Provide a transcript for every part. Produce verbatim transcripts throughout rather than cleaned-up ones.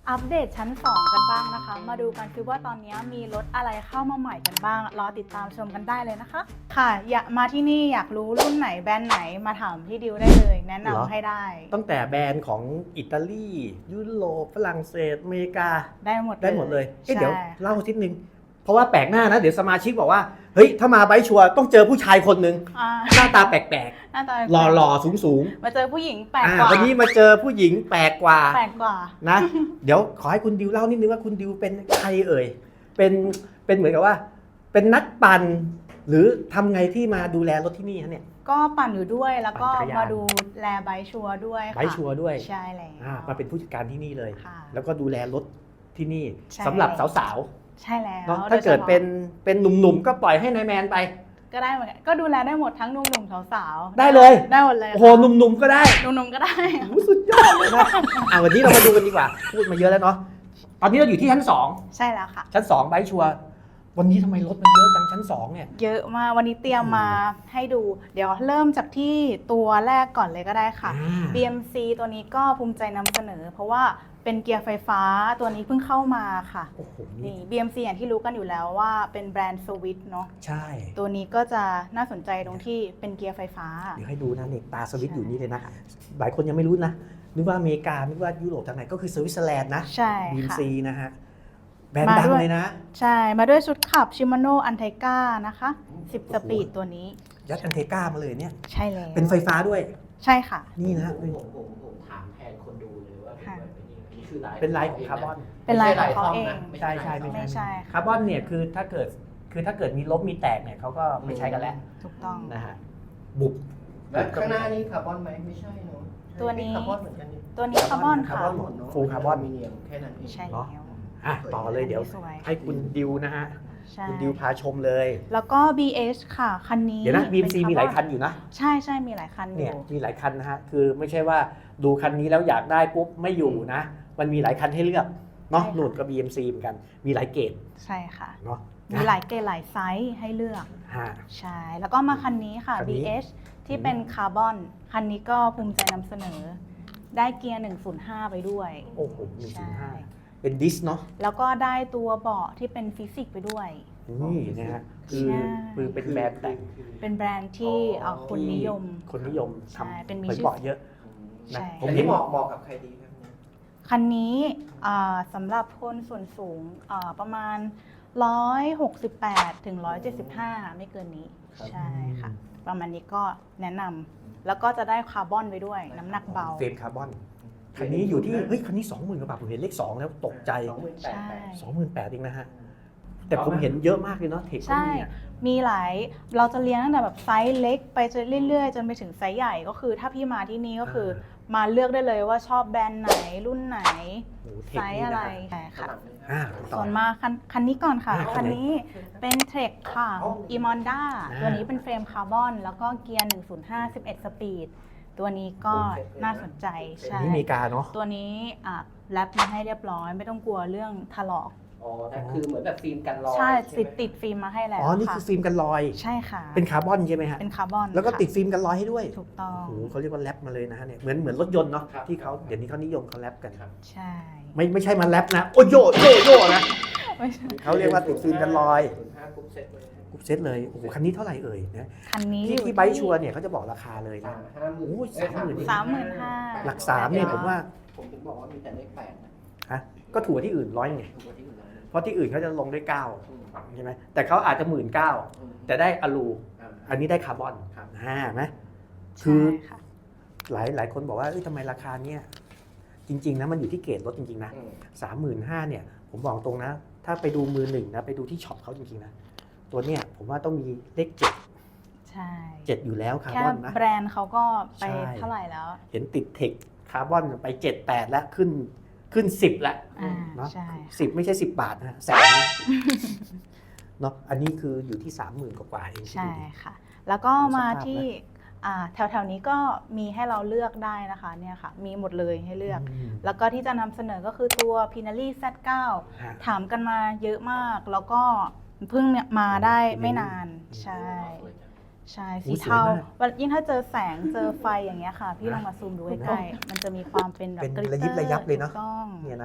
อัปเดตชั้นสองกันบ้างนะคะมาดูกันคือว่าตอนนี้มีรถอะไรเข้ามาใหม่กันบ้างรอติดตามชมกันได้เลยนะคะค่ะอยากมาที่นี่อยากรู้รุ่นไหนแบรนด์ไหนมาถามพี่ดิวได้เลยแนะนำให้ได้ตั้งแต่แบรนด์ของอิตาลียุโรปฝรั่งเศสอเมริกาได้หมดได้หมดเลยเดี๋ยวใช่เล่าทีนึงเพราะว่าแปลกหน้านะเดี๋ยวสมาชิกบอกว่าเฮ้ยถ้ามาไบค์ชัวร์ต้องเจอผู้ชายคนหนึ่งอ่าหน้าตาแปลกหน้าตาๆหล่อๆสูงมาเจอผู้หญิงแปลๆกอ่ากว่าวันนี้มาเจอผู้หญิงแปลกกว่าแปลกกว่านะ เดี๋ยวขอให้คุณดิวเล่านิดนึงว่าคุณดิวเป็นใครเอ่ยเป็นเป็นเหมือนกับว่าเป็นนักปั่นหรือทำไงที่มาดูแลรถที่นี่ฮะเนี่ยก็ปั่นอยู่ด้วยแล้วก็ปั่นจักรยานมาดูแลไบค์ชัวร์ด้วยค่ะไบค์ชัวร์ด้วยใช่แล้วอ่ามาเป็นผู้จัดการที่นี่เลยค่ะแล้วก็ดูแลรถที่นี่ใช่สำหรับสาวใช่แล้วๆเนาะถ้าเกิดเป็นเป็นหนุ่มๆก็ปล่อยให้นายแมนไปก็ได้เหมือนกันก็ดูแลได้หมดทั้งหนุ่มๆสาวๆได้เลยได้หมดเลยโอ้โหหนุ่มๆก็ได้หนุ่มๆก็ได้โอ้โหสุดยอดเลยนะอ่ะวันนี้เรามาดูกันดีกว่า พูดมาเยอะแล้วเนาะตอนนี้เราอยู่ที่ชั้นสองใช่แล้วค่ะชั้นสองไบค์ชัวร์วันนี้ทำไมรถมันเยอะจังชั้นสองเนี่ยเยอะมากวันนี้เตรียมมาให้ดู เดี๋ยวเริ่มจากที่ตัวแรกก่อนเลยก็ได้ค่ะอ่าบี เอ็ม ซี ตัวนี้ก็ภูมิใจนำเสนอ เพราะว่าเป็นเกียร์ไฟฟ้าตัวนี้เพิ่งเข้ามาค่ะโอ้โหนี่ บี เอ็ม ซี อย่างที่รู้กันอยู่แล้วว่าเป็นแบรนด์สวิตเนาะใช่ตัวนี้ก็จะน่าสนใจตรงที่เป็นเกียร์ไฟฟ้าเดี๋ยวให้ดูนะเนี่ยตาสวิตช์อยู่นี่เลยนะหลายคนยังไม่รู้นะนึกว่าอเมริกานึกว่ายุโรปทางไหนก็คือสวิตเซอร์แลนด์นะใช่บี เอ็มค่ะซีนะฮะแบรนด์ดังเลยนะใช่ มาด้วยชุดขับ Shimano Anteca นะคะสิบโอ้สโหปีดตัวนี้ยัดอันเทก้ามาเลยเนี่ยใช่แล้วเป็นไฟฟ้าด้วยใช่ค่ะนี่นะผมผมผมถามแทนคนดูเลยว่าค่ะนี่คือลายเป็นลายของคาร์บอนเป็นลายของเขาเองใช่ใช่ไม่ใช่คาร์บอนเนี่ยคือถ้าเกิดคือถ้าเกิดมีลบมีแตกเนี่ยเขาก็ไม่ใช้กันแล้วถูกต้องนะฮะบุบแล้วข้างหน้านี่คาร์บอนไหมไม่ใช่เนาะตัวนี้คาร์บอนเหมือนกันนี่ตัวนี้คาร์บอนค่ะคาร์บอนหมด full คาร์บอนอลูมิเนียมแค่นั้นเองใช่เนาะแล้วอ่ะต่อเลยเดี๋ยวสวยให้คุณดิวนะฮะใช่คุณดิวพาชมเลยแล้วก็ บี เอช ค่ะ คันนี้เดี๋ยวนะ บี เอ็ม ซีเป็มีหลายร์บอคันอยู่นะใช่ใช่มีหลายคันอเนี่ยยู่มีหลายคันนะฮะคือไม่ใช่ว่าดูคันนี้แล้วอยากได้ปุ๊บไม่อยู่นะ มันมีหลายคันให้เลือกเนาะใช่ค่ะหนุดกับ บี เอ็ม ซี เหมือนกันมีหลายเกรดใช่ค่ะเนาะมีหลายเกรดหลายไซส์ให้เลือกฮะใช่ แล้วก็มาคันนี้ค่ะคันนี้บี เอช ที่เป็นคาร์บอน คันนี้ก็ภูมิใจนำเสนอ ได้เกียร์ หนึ่งศูนย์ห้า ไปด้วยโอ้โหหนึ่งใช่ศูนย์ห้าเป็นดิสเนาะแล้วก็ได้ตัวเบาะที่เป็นฟิสิกส์ไปด้วยนี่นะฮะคือใช่คือเป็นแบรนด์แต่งเป็นแบรนด์ที่เอ่อคนนิยมคนนิยมใช่ทำเป็นมีเหมือนชื่อเบาะเยอะใช่นะผผม มเห็นี่นเหมาะเหมาะกับใครดีครับเนี่ยคันนี้อ่าสำหรับคนส่วนสูงอ่าประมาณ หนึ่งร้อยหกสิบแปด ถึง หนึ่งร้อยเจ็ดสิบห้า ไม่เกินนี้ ใช่ค่ะ ประมาณนี้ก็แนะนำแล้วก็จะได้คาร์บอนไปด้วย น้ำหนักเบาเฟรมคาร์บอนคันนี้อยู่ที่เฮ้ยคันนี้สองหมื่นกว่าบาทผมเห็นเลขสองแล้วตกใจสองหมื่นแปดใช่แปดสองหมื่นแปดเองนะฮะแต่ผมเห็นเยอะมากเลยเนาะเทคก็ใช่มีอะมีหลาย เราจะเลี้ยงตั้งแต่แบบไซส์เล็กไปจนเรื่อยๆ จนไปถึงไซส์ใหญ่ก็คือ ถ้าพี่มาที่นี่ก็คือมาเลือกได้เลยว่าชอบแบรนด์ไหนรุ่นไหนโอ้โหเทไซคส์นี่อะไรนะใช่ค่ะอ่าต่อส่วนมาคันคันนี้ก่อนค่ะอ่าคัคันนไหนนี้เป็นเทรคค่ะ e m o n d a อ่าตัวนี้เป็นเฟรมคาร์บอน แล้วก็เกียร์ หนึ่งศูนย์ห้า สิบเอ็ด สปีด ตัวนี้ก็น่าสนใจอันใช่นี้อเมริกาเนาะตัวนี้อ่ะแรปมาให้เรียบร้อย ไม่ต้องกลัวเรื่องถลอกอ๋อแต่คือเหมือนแบบฟิล์มกันรอยใช่ไหมติดติดฟิล์มมาให้แล้วอ๋อนี่ค่ะคือฟิล์มกันรอยใช่ค่ะเป็นคาร์บอนใช่ไหมฮะเป็นคาร์บอนแล้วก็ค่ะติดฟิล์มกันรอยให้ด้วยถูกต้องโอ้โหเขาเรียกว่าแรปมาเลยนะฮะเนี่ยเหมือนเหมือนรถยนต์เนาะที่เขาเดี๋ยวนี้เขานิยมเขาแรปกันใช่ไม่ไม่ใช่มาแรปนะโอ้โยโยโยนะไม่ใช่เขาเรียกว่าติดฟิล์มกันรอยศูนย์ห้ากรุ๊ปเซ็ตเลยกรุ๊ปเซตเลยโอ้โหคันนี้เท่าไหร่เอ่ยนะคันนี้ที่อยู่ที่ไบค์ชัวร์เนี่ยเขาจะบอกราคาเลยนะห้าหมื่นโอ้ยสามหมื่นสามหมื่นห้าหลักสามเนี่ยผมว่าผมถึงบอกว่ามีแต่เลขแปดนะฮะก็ถูกกว่าที่อื่นร้อยไงถูกกว่าที่อื่นเลยเพราะที่อื่นเขาจะลงด้วยเก้าอืมใช่ไหมแต่เขาอาจจะหมื่นเก้าอืมแต่ได้อะลูอ่าอันนี้ได้คาร์บอนครับอ่าไหม คืใช่อค่ะหลายหลายคนบอกว่าเอ้ยทำไมราคาเนี่ยจริงๆนะมันอยู่ที่เกรดรถจริงๆนะอืมสามหมื่นห้าเนี่ยผมบอกตรงนะ ถ้าไปดูมือหนึ่งนะไปดูที่ช็อปเขาจริงๆนะตัวเนี่ยผมว่าต้องมีเลขเจ็ดใช่เจ็ดอยู่แล้วคาร์แค่บอนนะแบรนด์เขาก็ไปใช่เท่าไหร่แล้วเห็นติดเทคคาร์บอนไปเจ็ดแปดแล้วขึ้นขึ้นสิบแล้วอ่าเนาะใช่สิบไม่ใช่สิบบาทนะแสนเนาะอันนี้คืออยู่ที่สามหมื่นกว่าๆเองใช่ดูดิค่ะ แล้วก็มาสภาพนะที่อ่าแถวๆนี้ก็มีให้เราเลือกได้นะคะเนี่ยค่ะ มีหมดเลยให้เลือกมแล้วก็ที่จะนำเสนอก็คือตัว p i n a r i แซด เก้าฮะถามกันมาเยอะมาก แล้วก็เพิ่งเนี่ยมาได้ไม่นาน ใช่ ใช่โอ้สีสวยเทามากวันยิ่งถ้าเจอแสงเจอไฟอย่างเงี้ยค่ะ พี่ลองมาซูมดูใกล้ๆมันจะมีความเป็นแบบเป็นกลิตเตอร์ระยิบระยับเลยเนอะถูกต้องเนี่ยนะ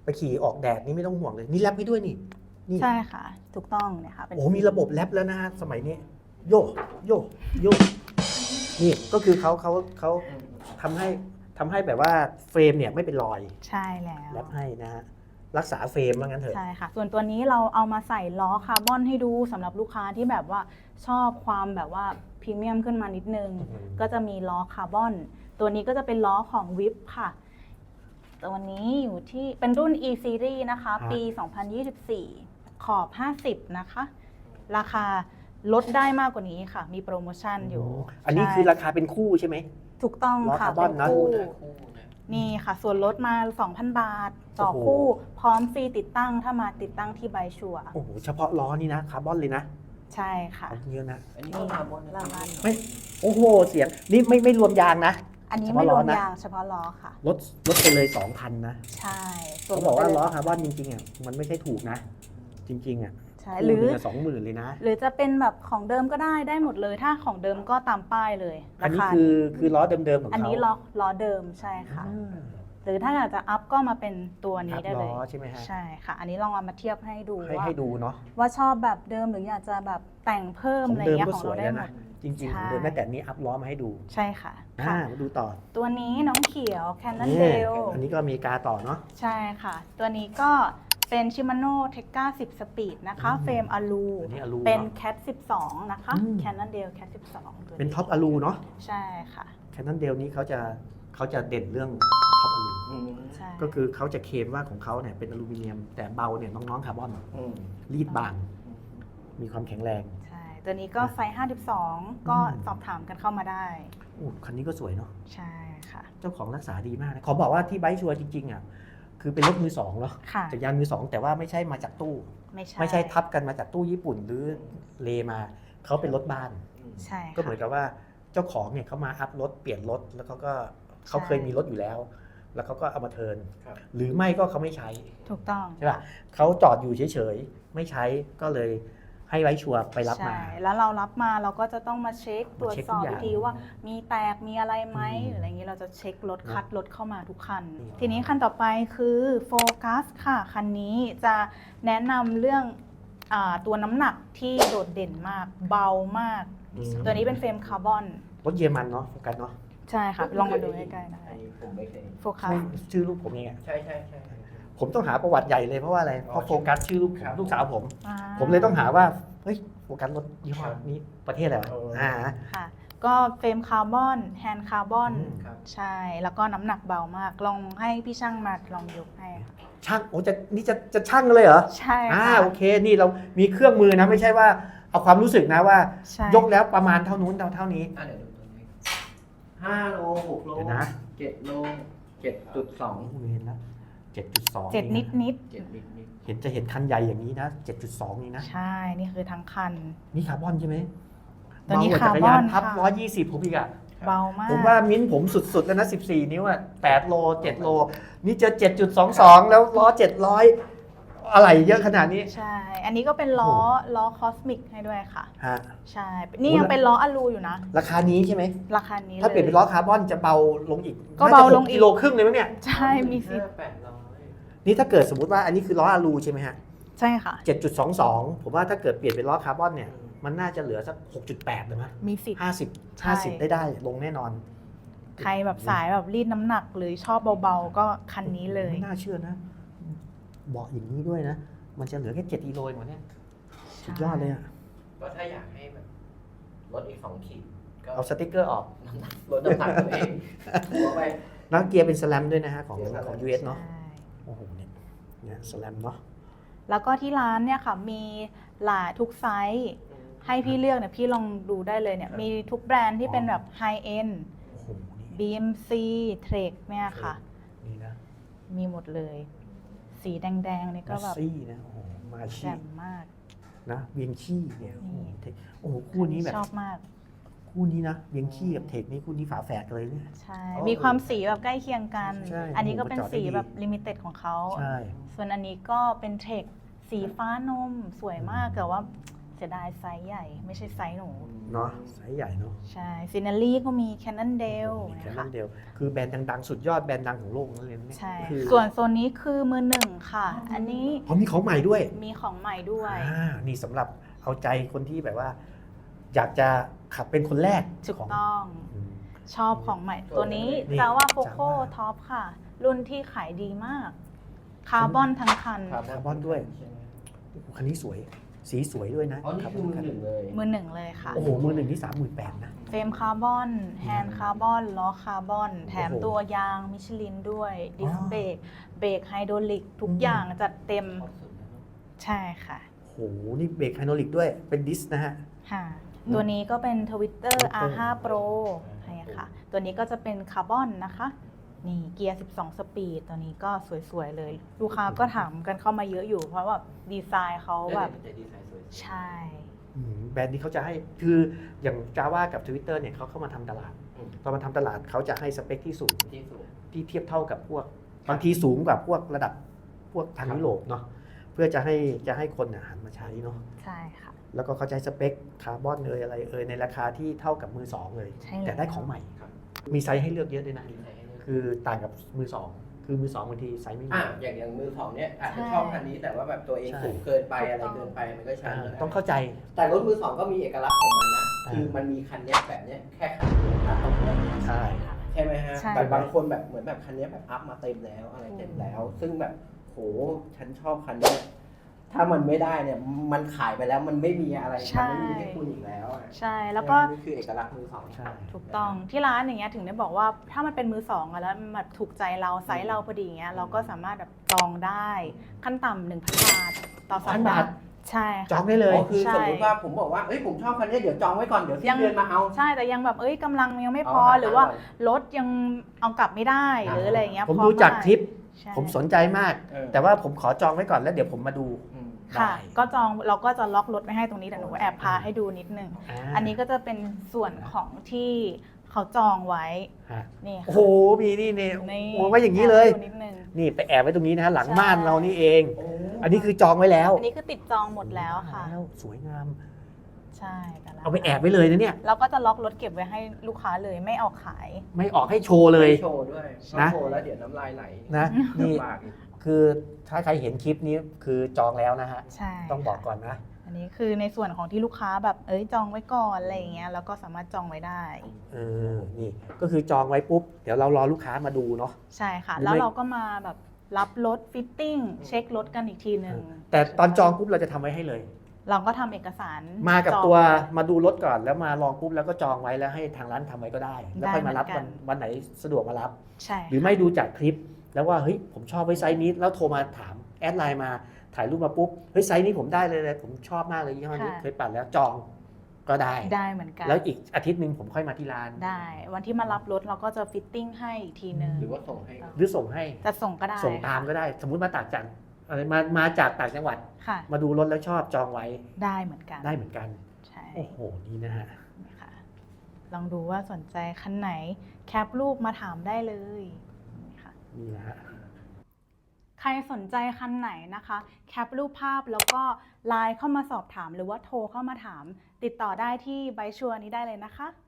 ไปขี่ออกแดดนี่ไม่ต้องห่วงเลยนี่แรปให้ด้วยนี่นี่ใช่ค่ะ ถูกต้องเนี่ยค่ะเป็นโอ้มีระบบแรปแล้วนะฮะสมัยนี้ โยโยโยนี่ก็คือเขาเขาเขาทำให้ทำให้แบบว่าเฟรมเนี่ยไม่เป็นรอยใช่แล้วแรปให้นะฮะรักษาเฟรมว่างั้นเถอะใช่ค่ะ ส่วนตัวนี้เราเอามาใส่ล้อคาร์บอนให้ดูสำหรับลูกค้าที่แบบว่าชอบความแบบว่าพรีเมียมขึ้นมานิดนึงอืมก็จะมีล้อคาร์บอน ตัวนี้ก็จะเป็นล้อของวิปค่ะ ตัวนี้อยู่ที่เป็นรุ่น E Series นะคะ ปี สองพันยี่สิบสี่ ขอบ ห้าสิบ นะคะ ราคาลดได้มากกว่านี้ค่ะ มีโปรโมชั่นอยู่อันนี้ใช่คือราคาเป็นคู่ใช่ไหมถูกต้องล้อค่ะคาร์บอนนะเป็คู่นะคู่นะนี่ค่ะ ส่วนลดมา สองพัน บาท ต่อโอ้โหคู่ พร้อมฟรีติดตั้งถ้ามาติดตั้งที่ไบชัวร์โอ้โหเฉพาะล้อนี่นะคาร์บอนเลยนะใช่ค่ะเอาเยอะนะอันนี้ก็คาร์บอนนะรางวัลไม่โอ้โหเสียงนี่ไม่ไม่รวมยางนะอันนี้เฉไม่พาะรล้อวมนะยางเฉพาะล้อค่ะลดลดไปเลย สองพัน นะใช่ส่วนเขาบอกว่าลดไปล้อเลยคาร์บอนจริงๆอ่ะมันไม่ใช่ถูกนะ จริงๆอ่ะใช่หรือสองหมื่นเลยนะหรือจะเป็นแบบของเดิมก็ได้ได้หมดเลย ถ้าของเดิมก็ตามป้ายเลยอันรานี้คาคือคือล้อเดิมๆของเขาอันนี้ล้อล้อเดิมใช่ค่ะอ่าหรือถ้าอยากจะอัพก็มาเป็นตัวนี้อัพได้เลล้ยอใช่ไหมฮะใช่ค่ะ อันนี้ลองเอามาเทียบให้ดูให้ว่าให้ดูเนาะว่าชอบแบบเดิมหรืออยากจะแบบแต่งเพิ่มของอะไรเดิมเงี้ยก็ของสเราวยได้แล้วหมนะดจริงใช่ๆของเดิมแม้แต่นี้อัพล้อมาให้ดูใช่ค่ะอ่าค่ะมาดูต่อตัวนี้น้องเขียวนี่ Cannondale อันนี้ก็อเมริกาต่อเนาะใช่ค่ะ ตัวนี้ก็เป็น Shimano Tekka สิบ Speed นะคะอืมเฟรมอลูอันนี้อลูเป็นเนอะ Cat สิบสอง นะคะอืม Cannondale Cat สิบสองตัวเป็นท็อปอลูเนาะใช่ค่ะแคนนอนเดลนี้เขาจะเขาจะเด่นเรื่องท็อปอลูอืมใช่ก็คือเขาจะเคลมว่าของเขาเนี่ยเป็นอลูมิเนียม แต่เบาเนี่ยน้องๆคาร์บอนอืมรีดบางมีความแข็งแรงใช่ ตัวนี้ก็ไซส์ห้าสิบสอง ก็อืมสอบถามกันเข้ามาได้โอ้คันนี้ก็สวยเนาะใช่ค่ะเจ้าของรักษาดีมากนะขอบอกว่าที่ไบค์ชัวร์จริงๆอ่ะคือเป็นรถมือสองเนาะค่ะจากยานมือสองแต่ว่าไม่ใช่มาจากตู้ไม่ใช่ไม่ใช่ทับกันมาจากตู้ญี่ปุ่นหรือเลมาเขาเป็นรถบ้านใช่ก็เหมือนค่ะกับว่าเจ้าของเนี่ยเขามาอัพรถเปลี่ยนรถแล้วเขาก็เขาใช่เคยมีรถอยู่แล้ว แล้วเขาก็เอามาเทิร์นครับหรือไม่ก็เขาไม่ใช้ถูกต้องใช่ป่ะเขาจอดอยู่เฉยๆไม่ใช้ก็เลยให้ไว้ชัวร์ไปรับมาใช่ แล้วเรารับมาเราก็จะต้องมาเช็คตรวจเช็คสทุอก บอย่างอีกทีว่ามีแตกมีอะไรไหมอืมหรืออะไรอย่างนี้เราจะเช็ครถเนอะคัดรถเข้ามาทุกคันอืมทีนี้คันต่อไปคือโฟกัสค่ะ คันนี้จะแนะนำเรื่องอาตัวน้ำหนักที่โดดเด่นมาก เบามากอืมตัวนี้เป็นเฟรมคาร์บอนรถเยอรมันเนาะโฟกัสเนาะใช่ค่ะ ลองมาดูใกล้ๆได้อันนี้ผมไม่เคยโฟกัสชื่อลูกผมเองอะใช่ใช่ใช่ผมต้องหาประวัติใหญ่เลยเพราะว่าอะไรเพราะโฟกัสชื่อลูกครับลูกสาวผมอ่าผมเลยต้องหาว่าเฮ้ยโฟกัสรถยี่ห้อนี้ประเทศอะไรวะเอออ่าค่ะ ก็เฟรมคาร์บอน แฮนด์คาร์บอนอืมครับใช่ แล้วก็น้ำหนักเบามาก ลองให้พี่ช่างมาลองยกให้ค่ะช่างโอ้จะนี่จะจะช่างเลยเหรอใช่อ่าค่ะโอเคนี่เรามีเครื่องมือนะไม่ใช่ว่าเอาความรู้สึกนะว่าใช่ยกแล้วประมาณเท่านู้นเท่าเท่านี้อ่ะเดี๋ยวดูตัวนี้ห้าโลหกโลเดี๋ยวนะเจ็ดโลเจ็ดจุดสองโอ้เห็นแล้วเจ็ดจุดสองเจ็ดนิดนิดเจ็ดนิดนิดเห็นจะเห็นคันใหญ่อย่างนี้นะเจ็ดจุดสองนี่นะๆใช่ นี่คือทั้งคันนี่คาร์บอนใช่ไหมตัวนี้เบกว่จักรยานคาร์บอนพับค่ะร้อยยี่สิบผมอีกอะเบามากผมว่ามิ้นท์ผมสุดๆแล้วนะสิบสี่นิ้วอะแปดโลเจ็ดโลนี่เจอเจ็ดจุดสองสองแล้วล้อเจ็ดร้อยอะไรเยอะขนาดนี้ใช่ อันนี้ก็เป็นล้อโอ้โหล้อคอสมิกให้ด้วยค่ะฮะใช่ นี่ยังเป็นล้ออลูอยู่นะราคานี้ใช่ไหมราคานี้ถ้าเปลี่ยนเป็นล้อคาร์บอนจะเบาลงอีกก็เบาลงอีกน่จะหกิโลครึ่งเลยมั้งเนี่ยใช่ มีสิทธิ์แปดร้อยนี่ถ้าเกิดสมมติว่าอันนี้คือล้ออะลูใช่ไหมฮะใช่ค่ะเจ็ดจุดสองสองผมว่าถ้าเกิดเปลี่ยนเป็นล้อคาร์บอนเนี่ยมันน่าจะเหลือสักหกจุดแปดเลยมั้ยมีสิทธิ์ห้าสิบใช่ห้าสิบได้ได้ลงแน่นอนใครแบบสายแบบรีดน้ำหนักหรือชอบเบาๆ ก็คันนี้เลยไม่น่าเชื่อนะเบาะอย่างนี้ด้วยนะ มันจะเหลือแค่เจ็ดกิโลเองวะเนี่ยสุดยอดเลยอะก็ถ้าอยากให้แบบลดอีกสองขีดก็เอาสติกเกอร์ออกลดน้ำหนักตัวเองหัวไปแล้วเกียร์เป็นสแลมด้วยนะฮะของของ ยู เอส เนาะใช่โอ้โหเนี่ยเนี่ยสแลมเนาะแล้วก็ที่ร้านเนี่ยค่ะ มีหลายทุกไซส์ ให้พี่เลือกเนี่ยพี่ลองดูได้เลยเนี่ย มีทุกแบรนด์ที่เป็นแบบไฮเอ็นโอ้โหนี่บี เอ็ม ซี Trek เนี่ยค่ะนี่นะมีหมดเลย สีแดงๆนี่ก็มาแบบซี่นะโอ้โหมาแจ่ชี่มมากนะเวียงขี้เนี่ยโอ้โหนี่เทคโอ้โหคู่นี้แบบชอบมากคู่นี้นะเวียงขี้กับเทคนี่คู่นี้ฝาแฝดกันเลยเนี่ยใช่โอ้มีความสีแบบใกล้เคียงกันใช่อันนี้ก็เป็นโอ้โหสีจอดได้ดีแบบลิมิเต็ดของเขาใช่ส่วนอันนี้ก็เป็นเทคสีฟ้านมสวยมากอืมแต่ว่าเสียดายไซส์ใหญ่ไม่ใช่ไซส์หนูเนาะไซส์ใหญ่เนาะใช่ซินารีก็มีแคนนอนเดลแค่นะนั้คะนเดียวคือแบรนด์ดังๆ สุดยอดแบรนด์ดังของโลกนั่นเลยเนี่ยใช่คือส่วนโซนนี้คือมือหนึ่งค่ะ อันนี้เพราะมีของใหม่ด้วยมีของใหม่ด้วยอ่านี่สำหรับเอาใจคนที่แบบว่า อยากจะขับเป็นคนแรกถูกของต้องอืมชอบของใหม่ตัวนี้นี่จาว่าโฟโค Java ท็อปค่ะ รุ่นที่ขายดีมาก คาร์บอนทั้งคันคาร์บอนด้วยใช่ไหมคันนี้สวย สีสวยด้วยนะอ๋อนี่คือมือหนึ่งเลยมือหนึ่งเลยค่ะโอ้โห มือหนึ่งที่สามหมื่นแปดนะเฟรมคาร์บอน แฮนด์คาร์บอน ล้อคาร์บอน แถมโอ้โหตัวยางมิชลินด้วย ดิสอ๋อเบรก เบรกไฮดรอลิก ทุกอืมอย่างจัดเต็มชอบสุดแล้วเนอะใช่ค่ะโอ้โห นี่เบรกไฮดรอลิกด้วย เป็นดิสนะฮะค่ะ ตัวนี้ก็เป็น Twitter อาร์ ไฟว์ Pro ใช่ค่ะ ตัวนี้ก็จะเป็นคาร์บอนนะคะ นี่เกียร์ สิบสอง สปีด ตัวนี้ก็สวย ๆ เลย ลูกค้าก็ถามกันเข้ามาเยอะอยู่ เพราะว่าดีไซน์เขาแบบแต่ดีไซน์สวยใช่อืมแบรนด์นี้เขาจะให้ คืออย่าง Java กับ Twitter เนี่ยเขาเข้ามาทำตลาดอืมพอมาทำตลาดเขาจะให้สเปคที่สูงที่สุดที่เทียบเท่ากับพวก บางทีสูงกว่าพวกระดับพวกทางครับยุโรปเนาะ เพื่อจะให้จะให้คนน่ะหันมาใช้เนาะใช่ค่ะแล้วก็เขาใช้สเปคคาร์บอนเลยอะไรเอยในราคาที่เท่ากับมือสองเลยใช่แล้วแต่ได้ของใหม่ครับมีไซส์ให้เลือกเยอะด้วยนะดีไซน์ให้เลือกคือต่างกับมือสองคือมือสองบางทีไซส์ไม่มีอ่ะอย่างอย่างมือสองเนี่ยอาจจะใช่ชอบคันนี้แต่ว่าแบบตัวเองใช่สูงเกินไปถูกอะไรต้องเกินไปมันก็ใช้อ่าไม่ได้ต้องเข้าใจแต่รถมือสองก็มีเอกลักษณ์ของมันนะอ่าคือมันมีคันเนี้ยแบบเนี้ยแค่คันเดียวนะตรงเนี้ยใช่ใช่ไหมฮะใช่แบบบางคนแบบเหมือนแบบคันเนี้ยแบบอัพมาเต็มแล้วอะไรเต็มแล้ว ซึ่งแบบโหฉันชอบคันเนี้ยถ้ามันไม่ได้เนี่ยมันขายไปแล้วมันไม่มีอะไรใช่มันไม่มีให้คุณอีกแล้วอะใช่ แล้วก็นี่คือเอกลักษณ์มือสองใช่ถูกต้องที่ร้านอย่างเงี้ยถึงได้บอกว่าถ้ามันเป็นมือสองอะแล้วมันแบบถูกใจเราไซส์เราพอดีอย่างเงี้ยเราก็สามารถแบบจองได้ขั้นต่ำหนึ่งพันบาทต่อสัปพันดาบาทห์ใช่จอค่ะงได้เลยอ๋อคือใช่สมมติว่าผมบอกว่าเอ้ยผมชอบคันเนี้ยเดี๋ยวจองไว้ก่อนเดี๋ยวสิ้ยันงเดือนมาเอาใช่แต่ยังแบบเอ้ยกำลังยังไม่พอเอาหรือว่าเอารถยังเอากลับไม่ได้อ่าหรืออะไรอย่างเงี้ยผมพร้อดูจากได้คลิปใช่ผมสนใจมากเออแต่ว่าผมขอจองไว้ก่อนแล้วเดี๋ยวผมมาดูอืมค่ะได้ก็จองเราก็จะล็อกรถไว้ให้ตรงนี้แต่หนูแอบพาให้ดูนิดนึงาอันนี้ก็จะเป็นส่วนของที่เขาจองไว้ฮะนี่โอ้ค่ะโห มีนี่เนี่ยนี่โอ้ไว้อย่างนี้เลยแอบดูนิดนึงนี่ไปแอบไว้ตรงนี้นะฮะหลังใช่ม่านเรานี่เองโอ้อันนี้คือจองไว้แล้วอันนี้คือติดจองหมดแล้วค่ะแล้วสวยงามใช่แต่ละเอาไปแอบไว้เลยนะเนี่ยเราก็จะล็อกรถเก็บไว้ให้ลูกค้าเลยไม่ออกขายไม่ออกให้โชว์เลยโชว์ด้วยนะโชว์แล้วเดี๋ยวน้ำลายไหลนะ นี่ลำบากอีกคือถ้าใครเห็นคลิปนี้คือจองแล้วนะฮะใช่ต้องบอกก่อนนะอันนี้คือในส่วนของที่ลูกค้าแบบเอ้ยจองไว้ก่อนอะไรอย่างเงี้ยแล้วก็สามารถจองไว้ได้เออ นี่ก็คือจองไว้ปุ๊บ เดี๋ยวเรารอลูกค้ามาดูเนาะใช่ค่ะหรือแล้วไม่เราก็มาแบบรับรถฟิตติ้งเช็ครถกันอีกทีหนึ่งแต่ตอนจองปุ๊บเราจะทำไว้ให้เลยเราก็ทำเอกสารมากับจองตัวมาดูรถก่อนแล้วมาลองปุ๊บแล้วก็จองไว้แล้วให้ทางร้านทำไว้ก็ได้ แล้วค่อยมารับได้เหมืวัอน นกันวันไหนสะดวกมารับใช่หรือไม่ดูจากคลิป แล้วว่าเฮ้ยผมชอบไว้ไซส์นี้แล้วโทรมาถามแอดไลน์มาถ่ายรูปมาปุ๊บเฮ้ยไซส์นี้ผมได้เลยเลยผมชอบมากเลยยี่ห้อนี้เคยปั่นแล้วจองก็ได้ได้เหมือนกันแล้วอีกอาทิตย์หนึ่งผมค่อยมาที่ร้านได้ วันที่มารับรถเราก็จะฟิตติ้งให้อีกทีหนึ่งหรือว่าส่งให้หรือส่งให้จะส่งก็ได้ส่งตามก็ได้ สมมุติมาต่างจังอะไรมามาจากต่างจังหวัดค่ะมาดูรถแล้วชอบจองไว้ได้เหมือนกันได้เหมือนกันใช่โอ้โหนี่นะฮะนี่ค่ะลองดูว่าสนใจคันไหนแคปรูปมาถามได้เลยนี่ค่ะนี่นะฮะใครสนใจคันไหนนะคะ แคปรูปภาพแล้วก็ไลน์เข้ามาสอบถามหรือว่าโทรเข้ามาถาม ติดต่อได้ที่ไบชัวนี้ได้เลยนะคะ